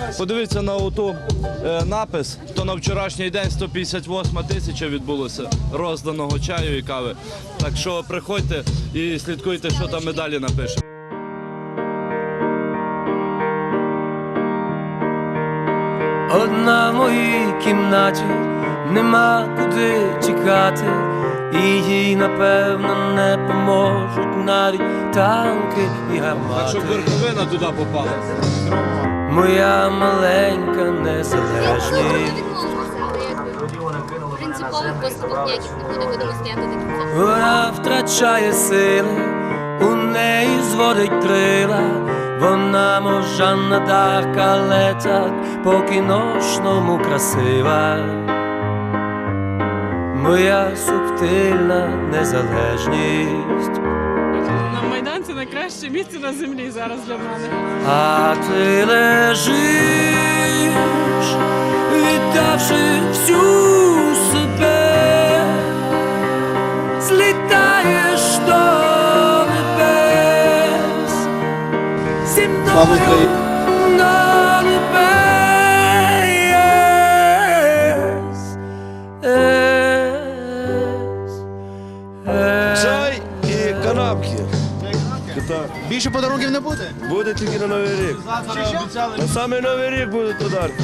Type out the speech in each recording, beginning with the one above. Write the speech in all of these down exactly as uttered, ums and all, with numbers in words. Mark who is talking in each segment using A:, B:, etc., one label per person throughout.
A: Подивіться на оту е, напис, то на вчорашній день сто п'ятдесят восьма тисяча відбулося розданого чаю і кави. Так що приходьте і слідкуйте, що там ми далі напишемо.
B: Одна в моїй кімнаті, нема куди тікати, і їй, напевно, не поможуть навіть танки і гармати.
A: Так, щоб верховина туди попала.
B: Моя маленька незалежність.
C: Принципових поступок ніяких не буде, будемо стояти до кінця.
B: Вона втрачає сили, у неї зводить крила. Вона мов Жанна д'Арк, але так по-кіношному красива. Моя субтильна незалежність.
D: На Майдан – це найкраще місце на землі зараз для мене.
B: А ти лежиш, віддавши всю себе, злітаєш до небес, зі мною на небес.
E: Чай і канапки.
F: Більше подарунків не буде?
E: Буде тільки на Новий рік. На саме Новий рік будуть подарки.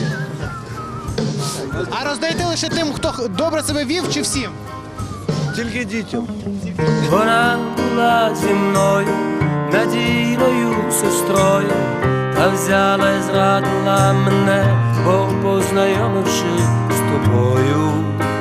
F: А роздаєте лише тим, хто добре себе вів, чи всім?
E: Тільки дітям.
B: Вона була зі мною, надійною сестрою, та взяла і зрадила мене, бо познайомивши з тобою,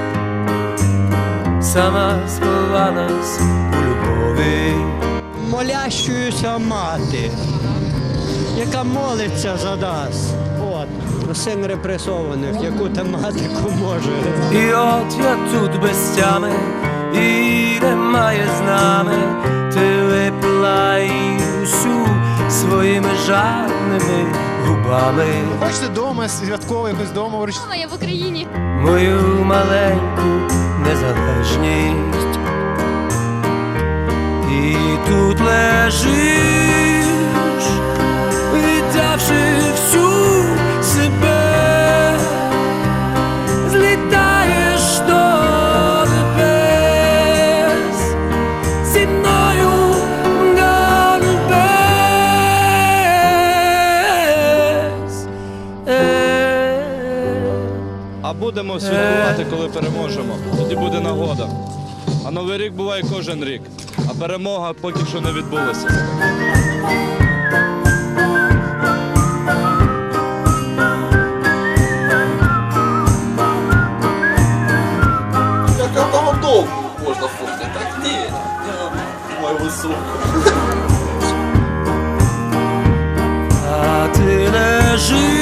B: сама сховалась у любові.
G: Молящуюся мати, яка молиться за нас. От, син репресованих, яку тематику може.
B: І от я тут без тями, і немає з нами. Ти випила її усю своїми жадними губами.
F: Хочете вдома, святково, якось вдома вручити?
C: Мама, я в Україні.
B: Мою маленьку незалежність. І тут лежиш, віддавши всю себе, злітаєш до небес, зі мною до небес.
A: А будемо святкувати, коли переможемо. Тоді буде нагода. А Новий рік буває кожен рік. А перемога поки що не відбулася.
H: Как одного долго можно фоткать? Так нет, я мой высокий.
B: А ти лежиш,